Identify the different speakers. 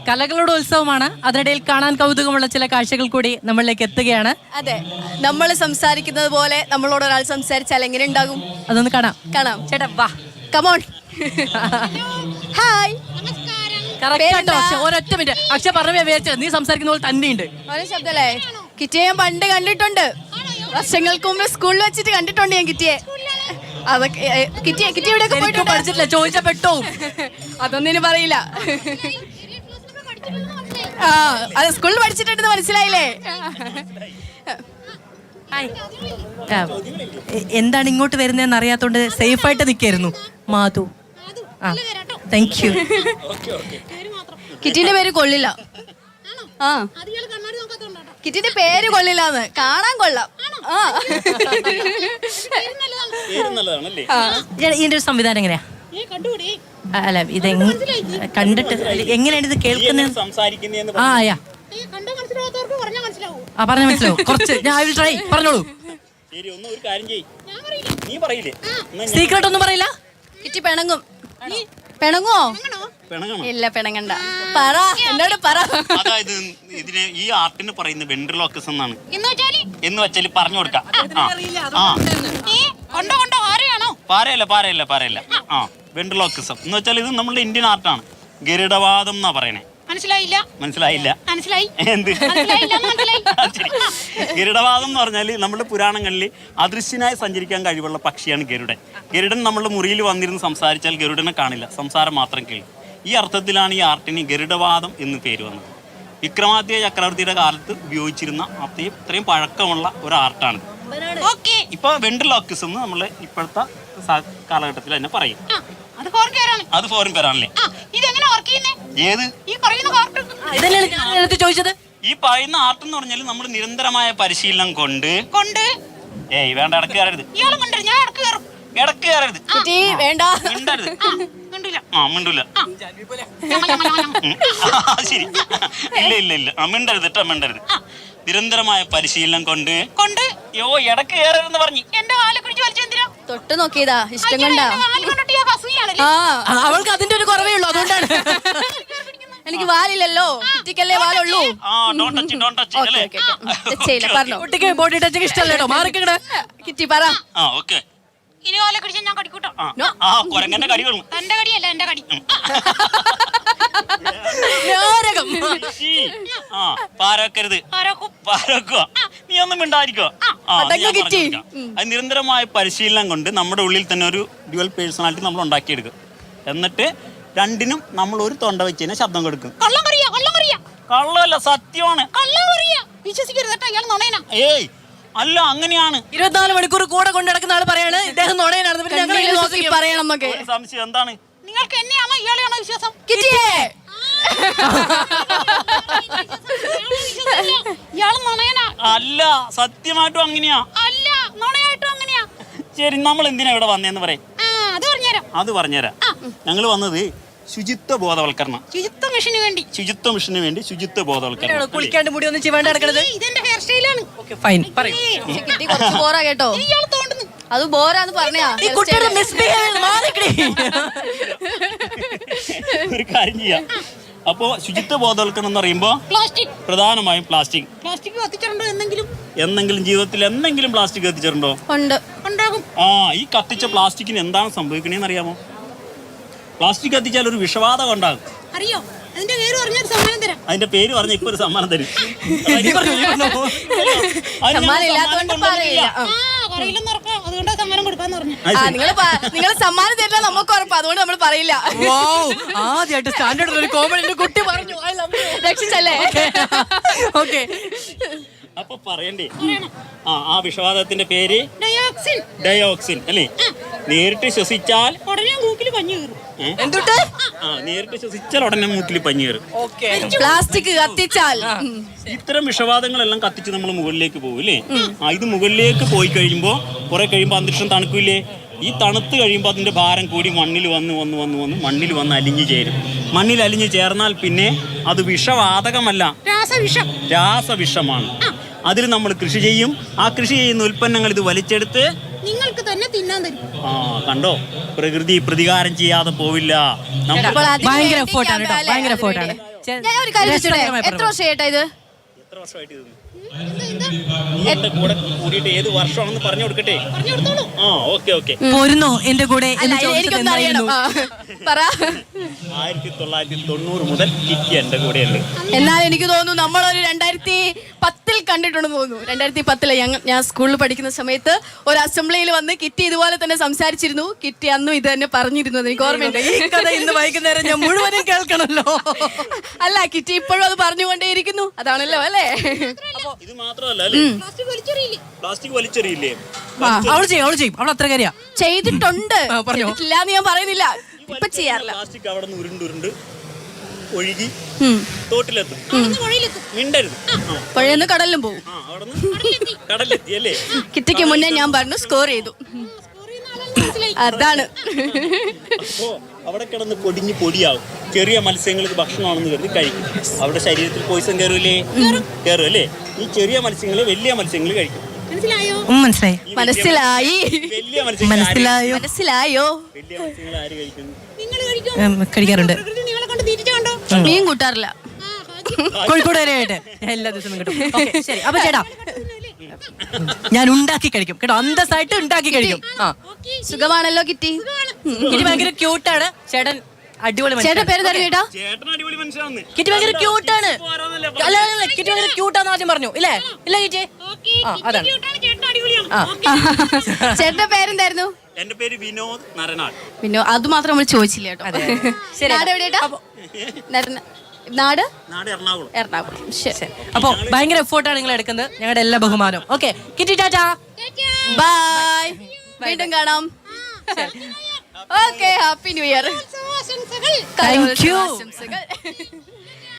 Speaker 1: കലകളുടെ ഉത്സവമാണ്. അതിനിടയിൽ കാണാൻ കൗതുകമുള്ള ചില കാഴ്ചകൾ കൂടി നമ്മളിലേക്ക് എത്തുകയാണ്.
Speaker 2: അതെ, നമ്മൾ സംസാരിക്കുന്നത് പോലെ നമ്മളോട് ഒരാൾ സംസാരിച്ചാൽ എങ്ങനെ ഉണ്ടാകും?
Speaker 1: അതൊന്ന് കാണാം.
Speaker 2: ചേട്ടാ വാ, കമോൺ. ഹായ്.
Speaker 1: ഒരൊറ്റ മിനിറ്റ്. അക്ഷയ പറഞ്ഞ വിചാരിച്ചത് നീ സംസാരിക്കുന്ന പോലെ തന്നെയുണ്ട്.
Speaker 2: ഒരേ ശബ്ദല്ലേ? കിറ്റിയെ ഞാൻ പണ്ട് കണ്ടിട്ടുണ്ട്, വർഷങ്ങൾക്ക് മുമ്പ് സ്കൂളിൽ വെച്ചിട്ട് കണ്ടിട്ടുണ്ട് ഞാൻ കിറ്റിയെ. കിറ്റി എവിടെയൊക്കെ പോയിട്ട്
Speaker 1: പഠിച്ചിട്ടില്ല, ചോദിച്ചാ പെട്ടോ.
Speaker 2: അതൊന്നും ഇനി പറയില്ല. ആ, അത് സ്കൂളിൽ പഠിച്ചിട്ടുണ്ടെന്ന് മനസ്സിലായില്ലേ?
Speaker 1: എന്താണ് ഇങ്ങോട്ട് വരുന്നതെന്ന് അറിയാത്തോണ്ട് സേഫ് ആയിട്ട് നിൽക്കായിരുന്നു. മാധു. ആ, താങ്ക് യു.
Speaker 2: കിറ്റിന്റെ പേര് കൊള്ളില്ല. ആ, കിറ്റിന്റെ പേര് കൊള്ളില്ലാന്ന്. കാണാൻ കൊള്ളാം.
Speaker 1: ഇതിന്റെ ഒരു സംവിധാനം എങ്ങനെയാ? അല്ല, ഇത് കണ്ടിട്ട് എങ്ങനെയാണ് ഇത് കേൾക്കുന്നത്? ആ, പറഞ്ഞ മനസ്സിലാവും കുറച്ച്. ഞാൻ ട്രൈ. പറഞ്ഞോളൂ. സീക്രട്ട് ഒന്നും പറയില്ല.
Speaker 2: കിറ്റി പിണങ്ങും. പിണങ്ങോ? ഇല്ല, പിണങ്ങണ്ട. പറ, എന്നോട് പറ.
Speaker 3: അതായത് ഇതിന് ഈ ആർട്ടിന് പറയുന്ന വെൻട്രിലോക്വിസം എന്നാണ്. എന്ന് വെച്ചാൽ പറഞ്ഞു കൊടുക്കാം. പാരയല്ല. ആ, വെൻട്രിലോക്വിസം എന്ന് വെച്ചാൽ ഇത് നമ്മുടെ ഇന്ത്യൻ ആർട്ടാണ്. ഗരുഡവാദം എന്നാ പറയണേ. മനസ്സിലായില്ല. എന്ത് ഗരുഡവാദം എന്ന് പറഞ്ഞാൽ നമ്മുടെ പുരാണങ്ങളിൽ അദൃശ്യനായി സഞ്ചരിക്കാൻ കഴിവുള്ള പക്ഷിയാണ് ഗരുഡൻ. ഗരുഡൻ നമ്മുടെ മുറിയിൽ വന്നിരുന്ന് സംസാരിച്ചാൽ ഗരുഡനെ കാണില്ല, സംസാരം മാത്രം കേൾക്കും. ഈ അർത്ഥത്തിലാണ് ഈ ആർട്ടിന് ഗരുഡവാദം എന്ന് പേര് വന്നത്. വിക്രമാദിത്യ ചക്രവർത്തിയുടെ കാലത്ത് ഉപയോഗിച്ചിരുന്ന ഇത്രയും പഴക്കമുള്ള ഒരു ആർട്ടാണ്. ഇപ്പൊ വെൻട്രിലോക്വിസം എന്ന് നമ്മൾ ഇപ്പോഴത്തെ കാലഘട്ടത്തിൽ തന്നെ പറയും. അത് ഫോറിൻ പേരാണല്ലേ? ഏത്
Speaker 1: ചോദിച്ചത്?
Speaker 3: ഈ പറയുന്ന ആർട്ട് എന്ന് പറഞ്ഞാൽ നമ്മൾ നിരന്തരമായ പരിശീലനം കൊണ്ട് വേണ്ട, ഇടക്ക് കയറരുത്.
Speaker 2: വേണ്ട,
Speaker 3: മിണ്ടരുത്. മിണ്ടൂല. ശരി, ഇല്ല. മിണ്ടരുത്. നിരന്തരമായ പരിശീലനം കൊണ്ട് ഇടക്ക് കയറരുതെന്ന് പറഞ്ഞു. എന്റെ കാലെ പിടിച്ച് വലിച്ചെന്തിനാ?
Speaker 2: തൊട്ട് നോക്കിയതാ, ഇഷ്ടം കൊണ്ടാ.
Speaker 1: അവൾക്ക് അതിന്റെ ഒരു കുറവേ ഉള്ളൂ, അതുകൊണ്ടാണ്.
Speaker 2: എനിക്ക് വാലില്ലല്ലോ, കിറ്റിക്കല്ലേ വാലുള്ളൂ. പറഞ്ഞോ.
Speaker 1: കുട്ടിക്ക് ബോഡി ടച്ചിങ് ഇഷ്ടമല്ലോ, മാറിക്കട.
Speaker 2: കിറ്റി പറ.
Speaker 3: ഇനി കാലെ പിടിച്ച് ഞാൻ കടിക്കൂട്ടോ. കൊരങ്ങന്റെ കടി കൊള്ളും. എന്റെ കടിയല്ല, എന്റെ കടി. പാരക്കരുത്. നീ ഒന്നും മിണ്ടായിരിക്കോ? അത് നിരന്തരമായ പരിശീലനം കൊണ്ട് നമ്മുടെ ഉള്ളിൽ തന്നെ ഒരു ഡ്യുവൽ പേഴ്സണാലിറ്റി നമ്മൾ ഉണ്ടാക്കിയെടുക്കും. എന്നിട്ട് രണ്ടിനും നമ്മൾ ഒരു തൊണ്ട വെച്ച് തന്നെ ശബ്ദം കൊടുക്കും. കള്ളല്ല, സത്യമാണ്. ഏയ് അല്ല, അങ്ങനെയാണ്.
Speaker 1: 24 മണിക്കൂർ കൂടെ കൊണ്ടു നടക്കുന്ന ആള് പറയാണ് ഇദ്ദേഹം നുണയനാണ്.
Speaker 2: പറയണം എന്നൊക്കെ
Speaker 3: സംശയം എന്താണ്?
Speaker 4: നിങ്ങൾക്ക് എന്നെയാണോ ഇയാളെയാണോ വിശ്വാസം? ഇയാള് നുണയനാ.
Speaker 3: അല്ല, സത്യമായിട്ടും അങ്ങനെയാ.
Speaker 4: അല്ല, നുണയായിട്ടും അങ്ങനെയാ.
Speaker 3: ശരി, നമ്മൾ എന്തിനാ ഇവിടെ വന്നേന്ന് പറയും. അത് പറഞ്ഞുതരാം. ഞങ്ങൾ വന്നത് ശുചിത്വ ബോധവൽക്കരണം.
Speaker 4: ശുചിത്വ മിഷന്
Speaker 3: വേണ്ടി ശുചിത്വ ബോധവൽക്കരണം.
Speaker 1: കുളിക്കാണ്ട് മുടി ഒന്നും ചെയ്യേണ്ട നടക്കണത്.
Speaker 4: ഇതെന്റെ ഹെയർ സ്റ്റൈലാണ്.
Speaker 2: കിറ്റി കുറച്ച് ബോറാ കേട്ടോ.
Speaker 4: ഇയാള് തോണ്ടുന്നു.
Speaker 2: അത് ബോറാന്ന് പറഞ്ഞാ.
Speaker 3: ഒരു കാര്യം ചെയ്യാം. അപ്പോ ശുചിത്വ ബോധവൽക്കരണം എന്ന് പറയുമ്പോ പ്രധാനമായും പ്ലാസ്റ്റിക്
Speaker 4: കത്തിച്ചിട്ടുണ്ടോ?
Speaker 3: എന്തെങ്കിലും ജീവിതത്തിൽ എന്തെങ്കിലും പ്ലാസ്റ്റിക് കത്തിച്ചിട്ടുണ്ടോ?
Speaker 4: ഉണ്ടാകും.
Speaker 3: ഈ കത്തിച്ച പ്ലാസ്റ്റിക്കിന് എന്താണ് സംഭവിക്കണേന്ന് അറിയാമോ? പ്ലാസ്റ്റിക് കത്തിച്ചാൽ ഒരു വിഷവാതകം ഉണ്ടാകും.
Speaker 4: അറിയോ? അതിന്റെ പേര് പറഞ്ഞാൽ സമ്മാനം തരാം.
Speaker 3: അതിന്റെ പേര് പറഞ്ഞ ഇപ്പൊ ഒരു സമ്മാനം തരും.
Speaker 2: നിങ്ങൾ സമ്മാനം തരില്ല, നമുക്ക് ഉറപ്പാ. അതുകൊണ്ട് നമ്മൾ പറയില്ല.
Speaker 1: ആദ്യമായിട്ട് സ്റ്റാൻഡേർഡ് ഒരു കോമഡി കുട്ടി പറഞ്ഞു.
Speaker 2: രക്ഷിച്ചല്ലേ?
Speaker 1: ഓക്കെ,
Speaker 3: അപ്പൊ പറയണ്ടേ? ആ വിഷവാതകത്തിന്റെ പേര് ഡയോക്സിൻ അല്ലേ? നേരിട്ട് ശ്വസിച്ചാൽ
Speaker 4: ഉടനെ മൂക്കിൽ പഞ്ഞു കയറും.
Speaker 3: നേരിട്ട് ശ്വസിച്ചാൽ ഉടനെ മൂക്കിൽ പഞ്ഞു കയറും.
Speaker 2: പ്ലാസ്റ്റിക് കത്തിച്ചാൽ
Speaker 3: ഇത്തരം വിഷവാതങ്ങളെല്ലാം കത്തിച്ച് നമ്മൾ മുകളിലേക്ക് പോകും അല്ലേ? ഇത് മുകളിലേക്ക് പോയി കഴിയുമ്പോ കുറെ കഴിയുമ്പോ അന്തരീക്ഷം തണുക്കില്ലേ? ഈ തണുത്ത് കഴിയുമ്പോൾ അതിന്റെ ഭാരം കൂടി മണ്ണിൽ വന്ന് മണ്ണിൽ വന്ന് അലിഞ്ഞു ചേരും. മണ്ണിൽ അലിഞ്ഞു ചേർന്നാൽ പിന്നെ അത് വിഷവാതകമല്ല, രാസവിഷമാണ്. അതിൽ നമ്മൾ കൃഷി ചെയ്യും. ആ കൃഷി ചെയ്യുന്ന ഉൽപ്പന്നങ്ങൾ ഇത് വലിച്ചെടുത്ത്
Speaker 4: നിങ്ങൾക്ക് തന്നെ തിന്നാൻ തരും.
Speaker 3: കണ്ടോ, പ്രകൃതി പ്രതികാരം ചെയ്യാതെ പോവില്ല.
Speaker 1: ഭയങ്കര എഫോർട്ടാണ്.
Speaker 2: ഞാൻ ഒരു കാര്യം ചോദിച്ചോട്ടെ, എത്ര വർഷമായിട്ടാ ഇത്?
Speaker 3: എത്ര വർഷമായിട്ട് ഇത്? നീ എന്റെ കൂടെ കൂടിയിട്ട് ഏത് വർഷമാണെന്ന് പറഞ്ഞു കൊടുക്കട്ടെ. ആ ഓക്കെ ഓക്കെ.
Speaker 1: പോരുന്നോ എന്റെ കൂടെ
Speaker 2: അല്ല, എനിക്കൊന്നും അറിയണം. പറ.
Speaker 3: 1990 മുതൽ കിറ്റി എന്റെ കൂടെയുണ്ട്.
Speaker 2: എന്നാൽ എനിക്ക് തോന്നുന്നു നമ്മളൊരു 2010 കണ്ടിട്ടുണ്ടെന്ന് തോന്നുന്നു. 2010 ഞാൻ സ്കൂളിൽ പഠിക്കുന്ന സമയത്ത് ഒരു അസംബ്ലിയിൽ വന്ന് കിറ്റി ഇതുപോലെ തന്നെ സംസാരിച്ചിരുന്നു. കിറ്റി അന്നും ഇത് തന്നെ പറഞ്ഞിരുന്നു, എനിക്ക് ഓർമ്മയുണ്ട്.
Speaker 1: ഈ കഥ ഇന്ന് വൈകുന്നേരം ഞാൻ മുഴുവനും കേൾക്കണല്ലോ.
Speaker 2: അല്ല, കിറ്റി ഇപ്പോഴും അത് പറഞ്ഞുകൊണ്ടേയിരിക്കുന്നു. അതാണല്ലോ അല്ലേ?
Speaker 3: ഇത് മാത്രമല്ല അല്ലേ, പ്ലാസ്റ്റിക് വലിച്ചെറിയില്ലേ?
Speaker 1: അവള് ചെയ്യും അവൾ അത്ര കാര്യ
Speaker 2: ചെയ്തിട്ടുണ്ട്,
Speaker 1: പറഞ്ഞോ.
Speaker 2: ചെയ്തിട്ടില്ലാന്ന് ഞാൻ പറയുന്നില്ല. ഇപ്പൊ ചെയ്യാറില്ല.
Speaker 3: പ്ലാസ്റ്റിക് അവിടെ നിന്ന് ഉരുണ്ടുരുണ്ട് ഒഴുകി തോട്ടിലെത്തും. മിണ്ടരുത്.
Speaker 2: പുഴയെന്ന് കടലിലും പോകും.
Speaker 3: അവിടെ നിന്ന് കടലെത്തി അല്ലേ?
Speaker 2: കിറ്റിക്ക് മുന്നേ ഞാൻ പറഞ്ഞു സ്കോർ ചെയ്തു. അതാണ്.
Speaker 3: അപ്പോ അവിടെ കിടന്ന് പൊടിഞ്ഞ് പൊടിയാവും. ചെറിയ മത്സ്യങ്ങൾക്ക് ഭക്ഷണമാണെന്ന് കരുതി കഴിക്കും. അവിടെ ശരീരത്തിൽ പോയിസൺ കയറൂലേ? കയറും അല്ലേ? ഈ ചെറിയ മത്സ്യങ്ങള് വലിയ മത്സ്യങ്ങൾ കഴിക്കും.
Speaker 1: മനസ്സിലായി
Speaker 2: മനസ്സിലായി
Speaker 3: വലിയ മത്സ്യങ്ങൾ
Speaker 1: മനസ്സിലായോ
Speaker 2: മനസ്സിലായോ
Speaker 3: വലിയ മത്സ്യങ്ങൾ ആര് കഴിക്കുന്നു?
Speaker 1: കഴിക്കാറുണ്ട്.
Speaker 4: നിങ്ങളെ കൊണ്ട് തീറ്റ കണ്ടോ?
Speaker 2: മീൻ കൂട്ടാറില്ല.
Speaker 1: കോഴിക്കോട് വരെയായിട്ട് എല്ലാ ദിവസവും കിട്ടും. Okay, ശരി. അപ്പൊ ചേട്ടാ ഞാൻ ഉണ്ടാക്കി കഴിക്കും കേട്ടോ, അന്തസ്സായിട്ട് ഉണ്ടാക്കി കഴിക്കും. ആ
Speaker 2: സുഖമാണല്ലോ കിറ്റി?
Speaker 1: കിറ്റി ഭയങ്കര ക്യൂട്ടാണ്. ചേട്ടൻ അടിപൊളി
Speaker 2: ചേട്ടൻ പേര് തരും കേട്ടോ.
Speaker 3: ചേട്ടൻ അടിപൊളി മനുഷ്യനാണ്.
Speaker 1: കിറ്റി ഭയങ്കര ക്യൂട്ടാണ്. അല്ല കിറ്റി ഭയങ്കര ക്യൂട്ടാന്ന് ആദ്യം പറഞ്ഞു ഇല്ലേ? ഇല്ല കിറ്റി? ആ അതാണ്.
Speaker 2: ചേട്ടന്റെ പേരെന്തായിരുന്നു?
Speaker 3: എന്റെ പേര് വിനോദ് നരനാട്.
Speaker 2: പിന്നെ അത് മാത്രം നമ്മൾ ചോദിച്ചില്ല കേട്ടോ. നാട് എവിടെയാ? നാട്
Speaker 3: നാട് എറണാകുളം.
Speaker 2: എറണാകുളം. ശരി.
Speaker 1: അപ്പൊ ഭയങ്കര എഫോർട്ടാണ് നിങ്ങൾ എടുക്കുന്നത്. ഞങ്ങളുടെ എല്ലാ ബഹുമാനവും. Okay Kitty tata.
Speaker 2: ബൈ. വീണ്ടും കാണാം. Okay, happy new year.
Speaker 1: Thank you.
Speaker 2: ആശംസകൾ.